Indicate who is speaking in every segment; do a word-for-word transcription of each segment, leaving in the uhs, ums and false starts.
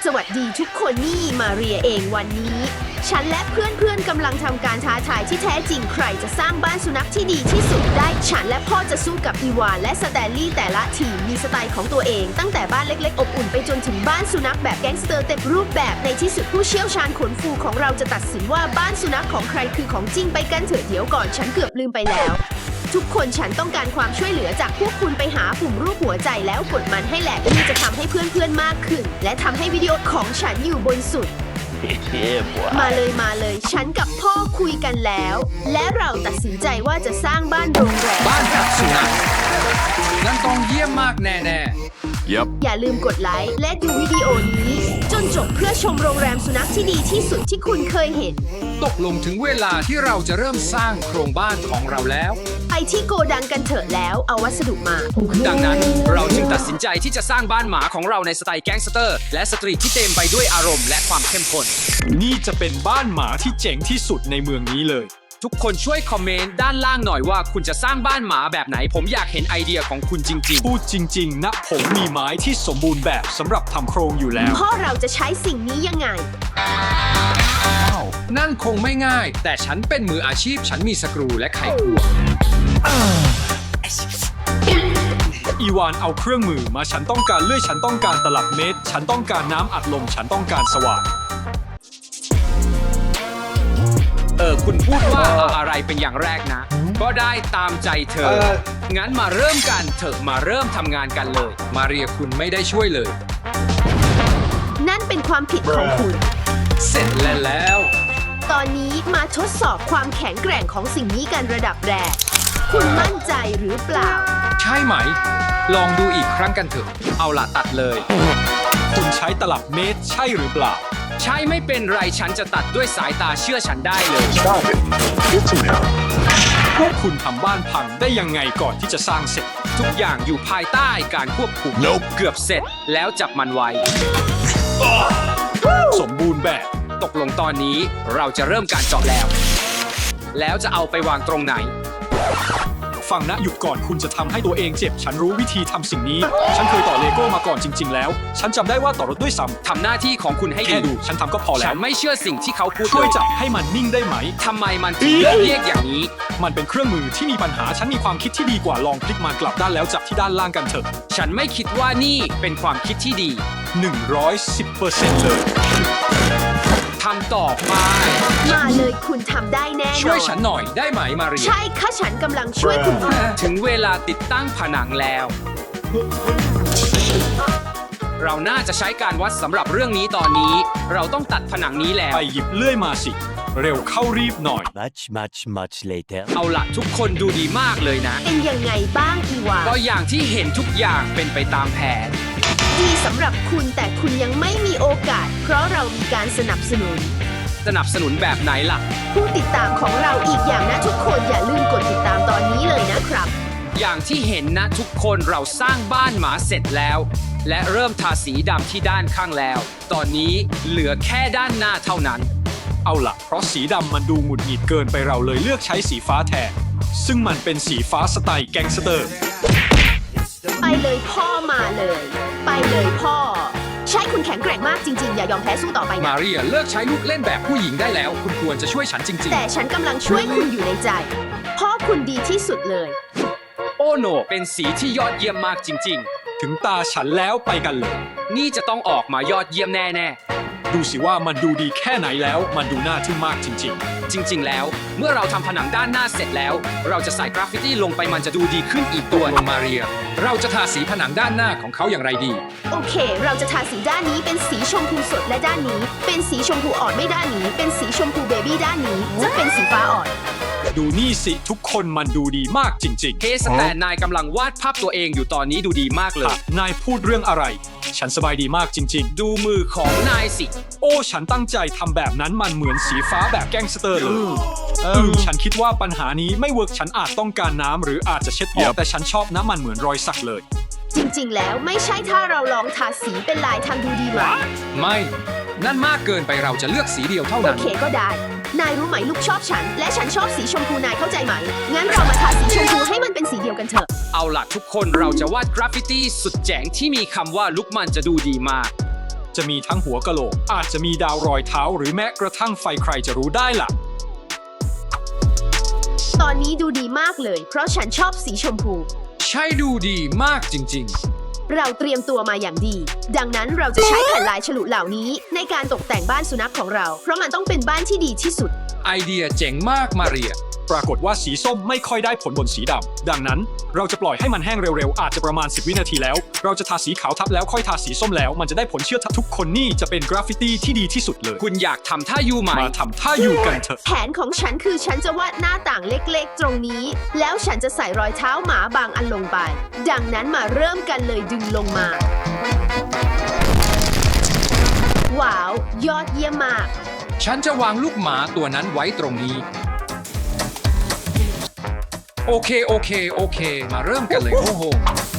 Speaker 1: สวัสดีทุกคนนี่มาเรียเองวันนี้ฉันและเพื่อนๆกำลังทำการท้าทายที่แท้จริงใครจะสร้างบ้านสุนัขที่ดีที่สุดได้ฉันและพ่อจะสู้กับอีวานและสแตนลีย์แต่ละทีมมีสไตล์ของตัวเองตั้งแต่บ้านเล็กๆอบอุ่นไปจนถึงบ้านสุนัขแบบแก๊งสเตอร์เต็มรูปแบบในที่สุดผู้เชี่ยวชาญขนฟูของเราจะตัดสินว่าบ้านสุนัขของใครคือของจริงไปกันเถอะเดี๋ยวก่อนฉันเกือบลืมไปแล้วทุกคนฉันต้องการความช่วยเหลือจากพวกคุณไปหาปุ่มรูปหัวใจแล้วกดมันให้แหลกนี่จะทำให้เพื่อนๆมากขึ้นและทำให้วิดีโอของฉันอยู่บนสุดมาเลยมาเลยฉันกับพ่อคุยกันแล้วและเราตัดสินใจว่าจะสร้างบ้านโรงแรม
Speaker 2: บ้านแบบสุนัขนั่นต้องเยี่ยมมากแน่ๆ
Speaker 3: Yep.
Speaker 1: อย่าลืมกดไลค์และดูวิดีโอนี้จนจบเพื่อชมโรงแรมสุนัขที่ดีที่สุดที่คุณเคยเห็น
Speaker 2: ตกลงถึงเวลาที่เราจะเริ่มสร้างโครงบ้านของเราแล้ว
Speaker 1: ไปที่โกดังกันเถอะแล้วเอาวัสดุมา
Speaker 2: ดังนั้นเราจึงตัดสินใจที่จะสร้างบ้านหมาของเราในสไตล์แก๊งสเตอร์และสตรีทที่เต็มไปด้วยอารมณ์และความเข้มข้น
Speaker 4: นี่จะเป็นบ้านหมาที่เจ๋งที่สุดในเมืองนี้เลย
Speaker 2: ทุกคนช่วยคอมเมนต์ด้านล่างหน่อยว่าคุณจะสร้างบ้านหมาแบบไหนผมอยากเห็นไอเดียของคุณจริง
Speaker 4: ๆพูดจริงๆนะผมมีไม้ที่สมบูรณ์แบบสำหรับทำโครงอยู่แล้ว
Speaker 1: พ่อเราจะใช้สิ่งนี้ยังไง
Speaker 2: นั่นคงไม่ง่ายแต่ฉันเป็นมืออาชีพฉันมีสกรูและไขควง
Speaker 4: อีวานเอาเครื่องมือมาฉันต้องการเลื่อยฉันต้องการตลับเมตรฉันต้องการน้ำอัดลมฉันต้องการสว่าน
Speaker 2: เออคุณพูดว่าอะไรเป็นอย่างแรกนะก็ได้ตามใจเธองั้นมาเริ่มกันเถอะมาเริ่มทำงานกันเลยมาเรียคุณไม่ได้ช่วยเลย
Speaker 1: นั่นเป็นความผิดของคุณ
Speaker 2: เสร็จแล้ว
Speaker 1: ตอนนี้มาทดสอบความแข็งแกร่งของสิ่งนี้กันระดับแรกคุณมั่นใจหรือเปล่า
Speaker 2: ใช่ไหมลองดูอีกครั้งกันเถอะเอาล่ะตัดเลย
Speaker 4: คุณใช้ตลับเมตรใช่หรือเปล่า
Speaker 2: ใช่ไม่เป็นไรฉันจะตัดด้วยสายตาเชื่อฉันได้เลย
Speaker 4: พวกคุณทำบ้านพังได้ยังไงก่อนที่จะสร้างเสร็จ
Speaker 2: ทุกอย่างอยู่ภายใต้การควบคุม
Speaker 3: nope.
Speaker 2: เกือบเสร็จแล้วจับมันไว้
Speaker 4: สมบูรณ์แบบ
Speaker 2: ตกลงตอนนี้เราจะเริ่มการเจาะแล้วแล้วจะเอาไปวางตรงไหน
Speaker 4: ฟังนะหยุดก่อนคุณจะทำให้ตัวเองเจ็บฉันรู้วิธีทำสิ่งนี้ฉันเคยต่อเลโก้มาก่อนจริงๆแล้วฉันจำได้ว่าต่อรถด้วยซ้ำ
Speaker 2: ทำหน้าที่ของคุณให้ดี
Speaker 4: ดูฉันทำก็พอแล้ว
Speaker 2: ฉันไม่เชื่อสิ่งที่เขาพูด
Speaker 4: ช่วยจับให้มันนิ่งได้ไหม
Speaker 2: ทำไมมันถึงเรียกอย่างนี้
Speaker 4: มันเป็นเครื่องมือที่มีปัญหาฉันมีความคิดที่ดีกว่าลองพลิกมันกลับด้านแล้วจับที่ด้านล่างกันเถอะ
Speaker 2: ฉันไม่คิดว่านี่เป็นความคิดที่ดี
Speaker 4: หนึ่งร้อยสิบเปอร์เซ็นต์ เลย
Speaker 2: ทำต่อไป
Speaker 1: มาเลยคุณทำได้แน่นอน
Speaker 2: ช่วยฉันหน่อยได้ไหมมาเรีย
Speaker 1: ใช่ค่ะฉันกำลังช่วยคุณ
Speaker 2: ถึงเวลาติดตั้งผนังแล้วเราน่าจะใช้การวัดสำหรับเรื่องนี้ตอนนี้เราต้องตัดผนังนี้แล้ว
Speaker 4: ไปหยิบเลื่อยมาสิเร็วเข้ารีบหน่อย
Speaker 5: much much much later
Speaker 2: เอาล่ะทุกคนดูดีมากเลยนะ
Speaker 1: เป็นยังไงบ้างอีวา
Speaker 2: ก็อย่างที่เห็นทุกอย่างเป็นไปตามแผน
Speaker 1: ดีสำหรับคุณแต่คุณยังไม่มีโอกาสเพราะเรามีการสนับสนุน
Speaker 2: สนับสนุนแบบไหนล่ะ
Speaker 1: ผู้ติดตามของเราอีกอย่างนะทุกคนอย่าลืมกดติดตามตอนนี้เลยนะครับ
Speaker 2: อย่างที่เห็นนะทุกคนเราสร้างบ้านหมาเสร็จแล้วและเริ่มทาสีดำที่ด้านข้างแล้วตอนนี้เหลือแค่ด้านหน้าเท่านั้น
Speaker 4: เอาล่ะเพราะสีดำมันดูหงุดหงิดเกินไปเราเลยเลือกใช้สีฟ้าแทนซึ่งมันเป็นสีฟ้าสไตล์แก๊งสเตอร์
Speaker 1: ไปเลยพ่อมาเลยไปเลยพ่อใช่คุณแข็งแกร่งมากจริงๆอย่ายอมแพ้สู้ต่อไปนะ
Speaker 2: มาเรียเลิกใช้ลูกเล่นแบบผู้หญิงได้แล้วคุณควรจะช่วยฉันจริงๆ
Speaker 1: แต่ฉันกำลังช่วยคุณอยู่ในใจพ่อคุณดีที่สุดเลย
Speaker 2: โอ้โนเป็นสีที่ยอดเยี่ยมมากจริง
Speaker 4: ๆถึงตาฉันแล้วไปกันเลย
Speaker 2: นี่จะต้องออกมายอดเยี่ยมแน่ๆ
Speaker 4: ดูสิว่ามันดูดีแค่ไหนแล้วมันดูน่าทึ่งมากจริง
Speaker 2: ๆจริงๆแล้วเมื่อเราทำผนังด้านหน้าเสร็จแล้วเราจะใส่กราฟฟิตี้ลงไปมันจะดูดีขึ้นอีกตัวลงมาเรียเราจะทาสีผนังด้านหน้าของเขาอย่างไรดี
Speaker 1: โอเคเราจะทาสีด้านนี้เป็นสีชมพูสดและด้านนี้เป็นสีชมพูอ่อนไม่ด้านนี้เป็นสีชมพูเบบี้ด้านนี้จะเป็นสีฟ้าอ่อน
Speaker 4: ดูนี่สิทุกคนมันดูดีมากจริงๆ
Speaker 2: เคสแต่นายกำลังวาดภาพตัวเองอยู่ตอนนี้ดูดีมากเลย
Speaker 4: นายพูดเรื่องอะไรฉันสบายดีมากจริง
Speaker 2: ๆดูมือของนายสิ
Speaker 4: โอ้ฉันตั้งใจทำแบบนั้นมันเหมือนสีฟ้าแบบแก๊งสเตอร์เลยอืมฉันคิดว่าปัญหานี้ไม่เวิร์กฉันอาจต้องการน้ำหรืออาจจะเช็ดออกแต่ฉันชอบน้ำมันเหมือนรอยสักเลย
Speaker 1: จริงๆแล้วไม่ใช่ถ้าเราลองทาสีเป็นลายทางดูดีไหม
Speaker 2: ไม่นั่นมากเกินไปเราจะเลือกสีเดียวเท่านั้น
Speaker 1: โอเคก็ได้นายรู้ไหมลูกชอบฉันและฉันชอบสีชมพูนายเข้าใจไหมงั้นเรามาทาสีชมพูให้มันเป็นสีเดียวกันเถอะ
Speaker 2: เอาล่ะทุกคนเราจะวาดกราฟฟิตี้สุดเจ๋งที่มีคำว่าลุกมันจะดูดีมาก
Speaker 4: จะมีทั้งหัวกะโหลก อาจจะมีดาวรอยเท้าหรือแม้กระทั่งไฟใครจะรู้ได้ล่ะ
Speaker 1: ตอนนี้ดูดีมากเลย เพราะฉันชอบสีชมพู
Speaker 2: ใช่ดูดีมากจริง
Speaker 1: เราเตรียมตัวมาอย่างดี ดังนั้นเราจะใช้แผ่นลายฉลุเหล่านี้ในการตกแต่งบ้านสุนัขของเรา เพราะมันต้องเป็นบ้านที่ดีที่สุด
Speaker 2: ๆ ไอเดียเจ๋งมากมาเรีย
Speaker 4: ปรากฏว่าสีส้มไม่ค่อยได้ผลบนสีดำ ดังนั้นเราจะปล่อยให้มันแห้งเร็วๆ อาจจะประมาณสิบวินาทีแล้ว เราจะทาสีขาวทับแล้วค่อยทาสีส้มแล้ว มันจะได้ผลเชื่อทุกคนนี่จะเป็นกราฟฟิตี้ที่ดีที่สุดเลย
Speaker 2: คุณอยากทำท่ายูไหม
Speaker 4: มาทำท่าอยู่กันเถอะ
Speaker 1: แผนของฉันคือฉันจะวาดหน้าต่างเล็กๆ ตรงนี้ แล้วฉันจะใส่รอยเท้าหมาบางอันลงไป ดังนั้นมาเริ่มกันเลยดึงลงมา ว้าว ยอดเยี่ยมมาก
Speaker 2: ฉันจะวางลูกหมาตัวนั้นไว้ตรงนี้ โอเคโอเคโอเค มาเริ่มกันเลยโอ้โห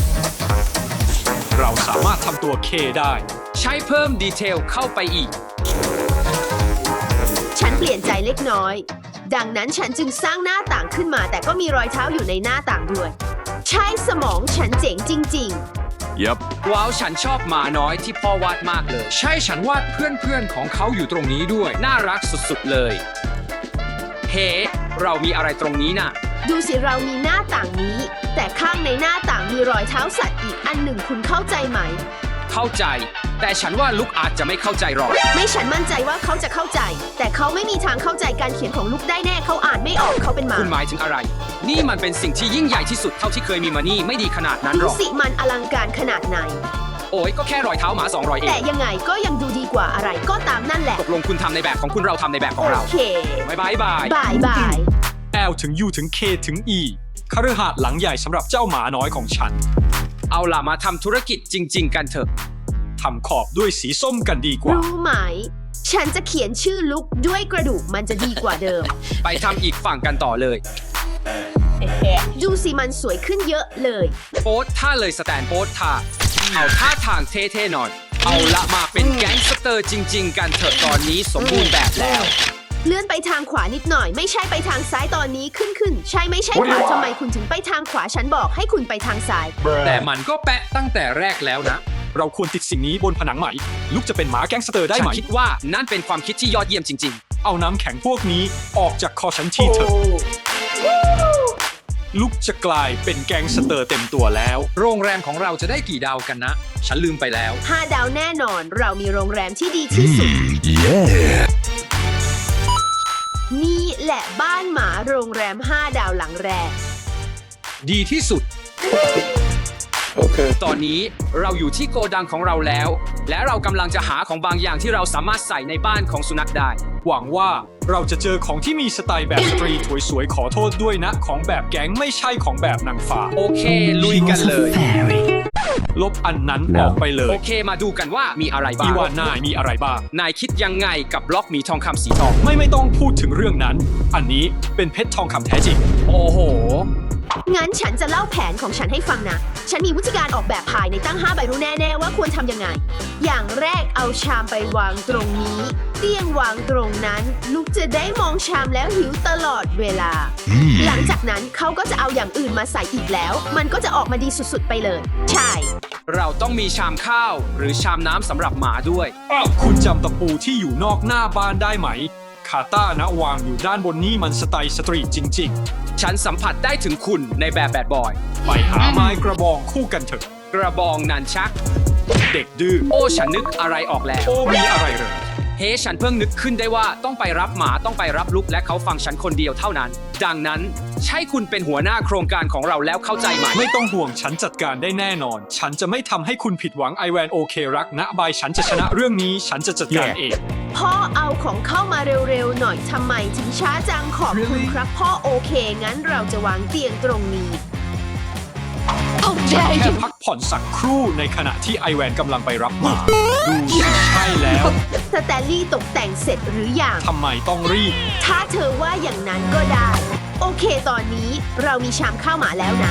Speaker 4: เราสามารถทำตัวเคได้
Speaker 2: ใช้เพิ่มดีเทลเข้าไปอีก
Speaker 1: ฉันเปลี่ยนใจเล็กน้อย ดังนั้นฉันจึงสร้างหน้าต่างขึ้นมา แต่ก็มีรอยเท้าอยู่ในหน้าต่างด้วย ใช้สมองฉันเจ๋งจริง
Speaker 5: Yep.
Speaker 2: ว้าวฉันชอบหมาน้อยที่พ่อวาดมากเลย ใช่ฉันวาดเพื่อนๆของเขาอยู่ตรงนี้ด้วย น่ารักสุดๆเลย เฮ้ เรามีอะไรตรงนี้น่ะ
Speaker 1: ๆ ดูสิเรามีหน้าต่างนี้ แต่ข้างในหน้าต่างมีรอยเท้าสัตว์อีกอันหนึ่งคุณเข้าใจไหม
Speaker 2: เข้าใจ แต่ฉันว่าลูกอาจจะไม่เข้าใจหรอก
Speaker 1: ไม่ฉันมั่นใจว่าเขาจะเข้าใจ แต่เขาไม่มีทางเข้าใจการเขียนของลูกได้แน่เขาอ่านไม่ออกเขาเป็นหมา
Speaker 2: คุณหมายถึงอะไร นี่มันเป็นสิ่งที่ยิ่งใหญ่ที่สุดเท่าที่เคยมีมานี่ไม่ดีขนาดนั้นห
Speaker 1: ดู
Speaker 2: รอก
Speaker 1: สิมันอลังการขนาดไหน
Speaker 2: โอ้ยก็แค่รอยเท้าหมาสองรอยเอ
Speaker 1: แต่
Speaker 2: ง
Speaker 1: ยังไงก็ยังดูดีกว่าอะไรก็ตามนั่นแหละ
Speaker 2: ตกลงคุณทำในแบบของคุณเราทำในแบบของ
Speaker 1: โอ
Speaker 2: เรา
Speaker 1: เค
Speaker 2: บายบายบาย
Speaker 1: บายบาย
Speaker 4: L ถึง U ถึง K ถึง E คฤหาสน์หลังใหญ่สำหรับเจ้าหมาน้อยของฉัน
Speaker 2: เอาล่ะมาทำธุรกิจจริง ๆ กันเถอะ
Speaker 4: ทำขอบด้วยสีส้มกันดีกว่า
Speaker 1: รู้ไหม ฉันจะเขียนชื่อลุกด้วยกระดูกมันจะดีกว่าเดิม
Speaker 2: ไปทำอีกฝั่งกันต่อเลย
Speaker 1: ดูสิมันสวยขึ้นเยอะเลย
Speaker 2: โพสท่าเลยสแตนโพสท่าเอาท่าทางเท่ๆหน่อย เอาละมาเป็นแก๊งสเตอร์จริง ๆ กันเถอะตอนนี้สมบูรณ์แบบแล้ว
Speaker 1: เลื่อนไปทางขวานิดหน่อย ไม่ใช่ไปทางซ้ายตอนนี้ขึ้นขึ้น ใช่ไม่ใช่ขวาทำไมคุณถึงไปทางขวาฉันบอกให้คุณไปทางซ้าย
Speaker 2: แต่มันก็แปะตั้งแต่แรกแล้วนะ
Speaker 4: เราควรติดสิ่งนี้บนผนังใหม่ลูกจะเป็นหมาแก๊งสเตอร์ได้
Speaker 2: ฉั
Speaker 4: ไหม
Speaker 2: นคิดว่านั่นเป็นความคิดที่ยอดเยี่ยมจริง
Speaker 4: เอาน้ำแข็งพวกนี้ออกจากคอฉันทีเถอะลูกจะกลายเป็นแก๊งสเตอร์เต็มตัวแล้ว
Speaker 2: ๆ โรงแรมของเราจะได้กี่ดาวกันนะ ฉันลืมไปแล้ว
Speaker 1: ห้าดาวแน่นอน เรามีโรงแรมที่ดีที่สุด
Speaker 5: Yeah.
Speaker 1: นี่แหละบ้านหมาโรงแรมห้าดาวหลังแรก
Speaker 2: ดีที่สุด ตอนนี้เราอยู่ที่โกดังของเราแล้ว และเรากำลังจะหาของบางอย่างที่เราสามารถใส่ในบ้านของสุนัขได้
Speaker 4: หวังว่าเราจะเจอของที่มีสไตล์แบบสตรีทสวยๆขอโทษด้วยนะ ของแบบแก๊งไม่ใช่ของแบบนางฟ้า
Speaker 2: โอเค ลุยกันเลย
Speaker 4: ลบอันนั้นออกไปเล
Speaker 2: โอย เคมาดูกันว่ามีอะไรบ้า
Speaker 4: อี
Speaker 2: ง
Speaker 4: วานนายมีอะไรบ้าง
Speaker 2: นายคิดยังไงกับบล็อกหมีทองคำสีทอง
Speaker 4: ไม่ไม่ต้องพูดถึงเรื่องนั้น อันนี้เป็นเพชรทองคำแท้จริง
Speaker 2: โอ้โห
Speaker 1: งั้นฉันจะเล่าแผนของฉันให้ฟังนะ ฉันมีวิธีการออกแบบภายในตั้งห้าใบรู้แน่ๆว่าควรทำยังไง อย่างแรกเอาชามไปวางตรงนี้ เตียงวางตรงนั้น ลูกจะได้มองชามแล้วหิวตลอดเวลา หลังจากนั้นเขาก็จะเอาอย่างอื่นมาใส่อีกแล้ว มันก็จะออกมาดีสุดๆไปเลย ใช่
Speaker 2: เราต้องมีชามข้าวหรือชามน้ำสำหรับหมาด้วย
Speaker 4: คุณจำตะปูที่อยู่นอกหน้าบ้านได้ไหม คาต้านะวางอยู่ด้านบนนี่มันสไตล์สตรีทจริง
Speaker 2: ฉันสัมผัสได้ถึงคุณในแบบแบดบอย
Speaker 4: ๆ ไปหาไม้กระบองคู่กันเถอะ
Speaker 2: กระบองนันชัก
Speaker 4: เด็กดื้อ
Speaker 2: โอ้ฉันนึกอะไรออกแล้ว
Speaker 4: โอ้มีอะไรเหรอ
Speaker 2: เฮ้ ฉันเพิ่งนึกขึ้นได้ว่าต้องไปรับหมาต้องไปรับลุกและเขาฟังฉันคนเดียวเท่านั้น ดังนั้นใช่คุณเป็นหัวหน้าโครงการของเราแล้วเข้าใจไหม
Speaker 4: ไม่ต้องห่วงฉันจัดการได้แน่นอน ฉันจะไม่ทำให้คุณผิดหวังไอแวนโอเครักนะบายฉันจะชนะเรื่องนี้ฉันจะจัดการเอง
Speaker 1: พ่อเอาของเข้ามาเร็วๆหน่อยทำไมถึงช้าจังขอบคุณครับ พ่อโอเค งั้นเราจะวางเตียงตรงนี้
Speaker 4: ฉันแค่พักผ่อนสักครู่ในขณะที่ไอแวนกำลังไปรับหมาดูสิใช่แล้ว
Speaker 1: สแตลลี่ตกแต่งเสร็จหรือยัง
Speaker 4: ทำไมต้องรีบ
Speaker 1: ถ้าเธอว่าอย่างนั้นก็ได้ โอเคตอนนี้เรามีชามข้าวหมาแล้วนะ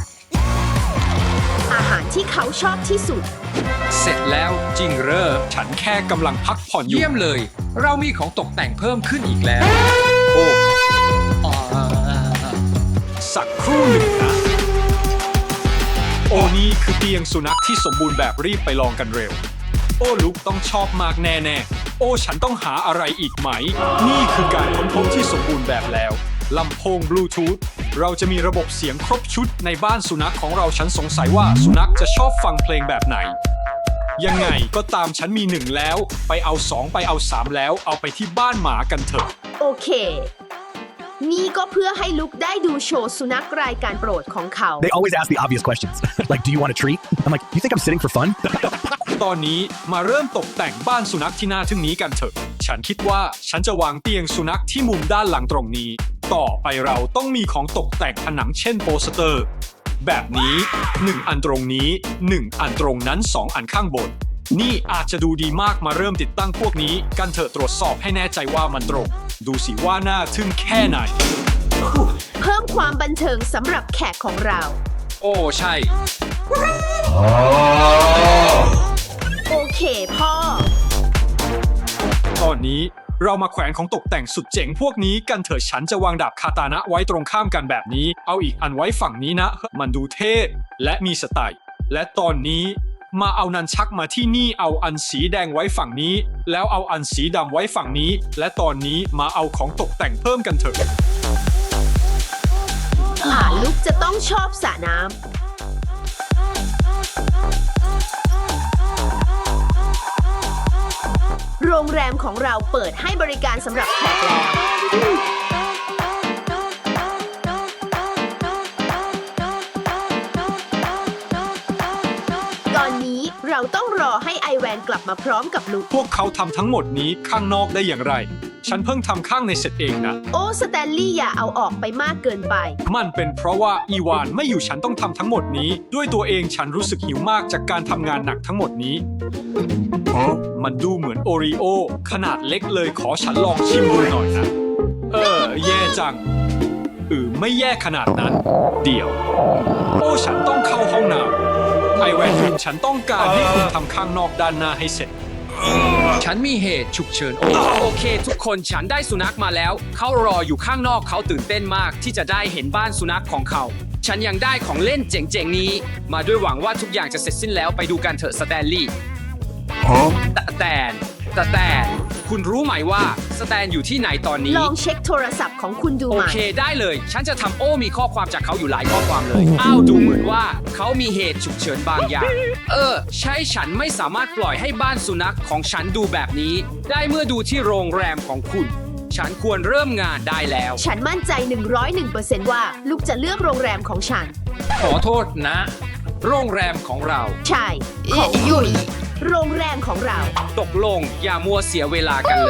Speaker 1: อาหารที่เขาชอบที่สุด
Speaker 2: เสร็จแล้วจริงเหรอ
Speaker 4: ฉันแค่กำลังพักผ่อนอยู่
Speaker 2: เยี่ยมเลย เรามีของตกแต่งเพิ่มขึ้นอีกแล้ว
Speaker 4: โอ้
Speaker 2: อ่า
Speaker 4: สักครู่หนึ่งนะ โอ้นี่คือเตียงสุนัขที่สมบูรณ์แบบรีบไปลองกันเร็วโอ้ลุกต้องชอบมากแน่ๆโอ้ฉันต้องหาอะไรอีกไหม นี่คือการค้นพบที่สมบูรณ์แบบแล้วลำโพงบลูทูธเราจะมีระบบเสียงครบชุดในบ้านสุนัขของเราฉันสงสัยว่าสุนัขจะชอบฟังเพลงแบบไหนยังไงก็ตามฉันมีหนึ่งแล้วไปเอาสองไปเอาสามแล้วเอาไปที่บ้านหมากันเถอะ
Speaker 1: โอเค นี่ก็เพื่อให้ลุกได้ดูโชว์สุนัขรายการโปรดของเขา
Speaker 3: They always ask the obvious questions. Like, do you want a treat? I'm like, you think I'm sitting for fun?
Speaker 4: ตอนนี้มาเริ่มตกแต่งบ้านสุนัขที่น่าทึ่งนี้กันเถอะ ฉันคิดว่าฉันจะวางเตียงสุนัขที่มุมด้านหลังตรงนี้ ต่อไปเราต้องมีของตกแต่งผนังเช่นโปสเตอร์ แบบนี้หนึ่งอันตรงนี้หนึ่งอันตรงนั้นสองอันข้างบน นี่อาจจะดูดีมากมาเริ่มติดตั้งพวกนี้กันเถอะตรวจสอบให้แน่ใจว่ามันตรง ดูสิว่าน่าทึ่งแค่ไหน
Speaker 1: เพิ่มความบันเทิงสำหรับแขกของเรา
Speaker 2: โอ้ใช่
Speaker 1: โอเคพ่อ
Speaker 4: ตอนนี้เรามาแขวนของตกแต่งสุดเจ๋งพวกนี้กันเถอะฉันจะวางดาบคาตานะไว้ตรงข้ามกันแบบนี้ เอาอีกอันไว้ฝั่งนี้นะ มันดูเท่และมีสไตล์และตอนนี้มาเอานันชักมาที่นี่เอาอันสีแดงไว้ฝั่งนี้ แล้วเอาอันสีดำไว้ฝั่งนี้ และตอนนี้มาเอาของตกแต่งเพิ่มกันเถอะ
Speaker 1: อ่าลุกจะต้องชอบสระน้ำ โรงแรมของเราเปิดให้บริการสำหรับแขกแล้ว ตอนนี้เราต้องรอให้ไอแวนกลับมาพร้อมกับลุก
Speaker 4: พวกเขาทำทั้งหมดนี้ข้างนอกได้อย่างไร ฉันเพิ่งทำข้างในเสร็จเองนะ
Speaker 1: โอ้สแตนลีย์อย่าเอาออกไปมากเกินไป
Speaker 4: มันเป็นเพราะว่าอีวานไม่อยู่ฉันต้องทำทั้งหมดนี้ ด้วยตัวเองฉันรู้สึกหิวมากจากการทำงานหนักทั้งหมดนี้ มันดูเหมือนโอรีโอขนาดเล็กเลยขอฉันลองชิมดูหน่อยนะ เออ แย่จังเออไม่แย่ขนาดนั้น เดี๋ยว โอ้ฉันต้องเข้าห้องน้ำไอแวนคุณฉันต้องการให้คุณทำข้างนอกด้านหน้าให้เสร็จ
Speaker 2: ฉันมีเหตุฉุกเฉินโอโอเค ทุกคนฉันได้สุนัขมาแล้ว เขารออยู่ข้างนอกเขาตื่นเต้นมากที่จะได้เห็นบ้านสุนัขของเขา ฉันยังได้ของเล่นเจ๋งๆนี้ มาด้วยหวังว่าทุกอย่างจะเสร็จสิ้นแล้วไปดูกันเถอะสแตนลีย์แต่แต่แต่แต่คุณรู้ไหมว่าสแตนอยู่ที่ไหนตอนนี้
Speaker 1: ลองเช็คโทรศัพท์ของคุณดู
Speaker 2: โอ
Speaker 1: ไหม
Speaker 2: เคได้เลย ฉันจะทำโอ้มีข้อความจากเขาอยู่หลายข้อความเลย อ้าวดูเหมือนว่าเขามีเหตุฉุกเฉินบางอย่าง เออ ใช่ฉันไม่สามารถปล่อยให้บ้านสุนัขของฉันดูแบบนี้ ได้เมื่อดูที่โรงแรมของคุณ ฉันควรเริ่มงานได้แล้ว
Speaker 1: ฉันมั่นใจ หนึ่งร้อยหนึ่งเปอร์เซนต์ ว่าลุกจะเลือกโรงแรมของฉัน
Speaker 2: ขอโทษนะ โรงแรมของเรา
Speaker 1: ใช่ ของยุยโรงแรมของเรา
Speaker 2: ตกลงอย่ามัวเสียเวลากันเลย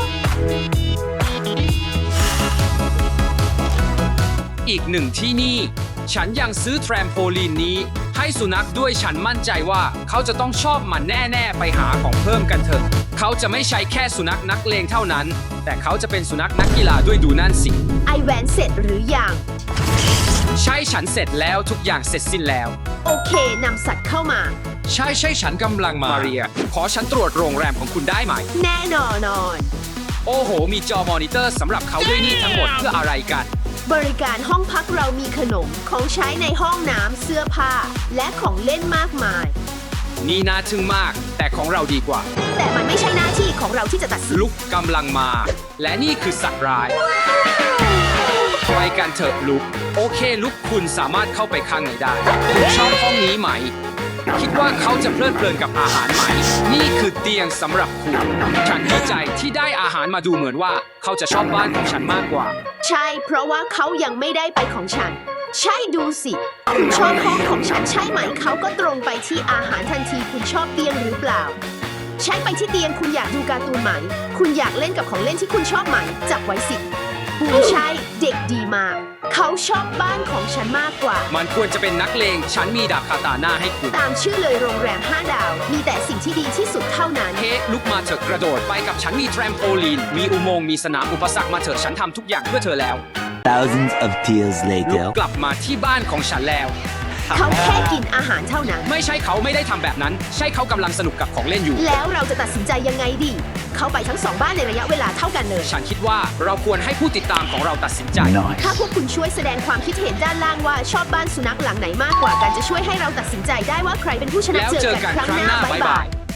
Speaker 2: อีกหนึ่งที่นี่ ฉันยังซื้อแทรมโพลีนนี้ ให้สุนัขด้วยฉันมั่นใจว่าเขาจะต้องชอบมันแน่ๆไปหาของเพิ่มกันเถอะเขาจะไม่ใช่แค่สุนัขนักเลงเท่านั้น แต่เขาจะเป็นสุนัขนักกีฬาด้วยดูนั่นสิ
Speaker 1: ไอแวนเสร็จหรือยัง
Speaker 2: ใช่ฉันเสร็จแล้วทุกอย่างเสร็จสิ้นแล้ว
Speaker 1: โอเคนำสัตว์เข้ามา
Speaker 2: ใช่ใช่ฉันกำลังมาเรีย ขอฉันตรวจโรงแรมของคุณได้ไหม
Speaker 1: แน่นอนนอน
Speaker 2: โอ้โห มีจอมอนิเตอร์สำหรับเขาด้วยนี่ทั้งหมดเพื่ออะไรกัน
Speaker 1: บริการห้องพักเรามีขนมของใช้ในห้องน้ำเสื้อผ้า และของเล่นมากมาย
Speaker 2: นี่น่าทึ่งมาก แต่ของเราดีกว่า
Speaker 1: แต่มันไม่ใช่หน้าที่ของเราที่จะตัดสิน
Speaker 2: ลุกกำลังมา และนี่คือสัตว์ร้ายไปกันเถอะลุก โอเคลุกคุณสามารถเข้าไปข้างในได้คุณชอบห้องนี้ไหม คิดว่าเขาจะเพลิดเพลินกับอาหารไหม นี่คือเตียงสำหรับคุณ ฉันดีใจที่ได้อาหารมาดูเหมือนว่าเขาจะชอบบ้านของฉันมากกว่า
Speaker 1: ใช่ เพราะว่าเขายังไม่ได้ไปของฉัน ใช่ดูสิคุณชอบห้องของฉันใช่ไหมเขาก็ตรงไปที่อาหารทันทีคุณชอบเตียงหรือเปล่า ใช่ไปที่เตียงคุณอยากดูการ์ตูนไหม คุณอยากเล่นกับของเล่นที่คุณชอบไหมจับไว้สิคุณใช่เด็กดีมาก เขาชอบบ้านของฉันมากกว่า
Speaker 2: มันควรจะเป็นนักเลง ฉันมีดาบคาตาน่าให้คุณ
Speaker 1: ตามชื่อเลยโรงแรมห้าดาว มีแต่สิ่งที่ดีที่สุดเท่านั้น
Speaker 2: เคลุกมาเถอะกระโดดไปกับฉันมีแทรมโพลีน มีอุโมงค์มีสนามอุปสรรคมาเถอะฉันทำทุกอย่างเพื่อเธอแล้ว
Speaker 5: Thousands of tears
Speaker 2: ลุก
Speaker 5: later.
Speaker 2: กลับมาที่บ้านของฉันแล้ว
Speaker 1: เขาแค่กินอาหารเท่านั้น
Speaker 2: ไม่ใช่เขาไม่ได้ทำแบบนั้น ใช่เขากำลังสนุกกับของเล่นอยู่
Speaker 1: แล้วเราจะตัดสินใจยังไงดี เขาไปทั้งสองบ้านในระยะเวลาเท่ากันเลย
Speaker 2: ฉันคิดว่าเราควรให้ผู้ติดตามของเราตัดสินใจ
Speaker 1: ถ้าพวกคุณช่วยแสดงความคิดเห็นด้านล่างว่าชอบบ้านสุนัขหลังไหนมากกว่ากันจะช่วยให้เราตัดสินใจได้ว่าใครเป็นผู้ชนะ
Speaker 2: แล้ว
Speaker 1: เจ
Speaker 2: เจ
Speaker 1: อ
Speaker 2: อ
Speaker 1: กัน
Speaker 2: กัน
Speaker 1: ครั้ง
Speaker 2: ครั้ง
Speaker 1: ห
Speaker 2: ห
Speaker 1: น้า
Speaker 2: น้า
Speaker 1: บ๊าย
Speaker 2: บ๊าย
Speaker 1: บา
Speaker 2: บาย ย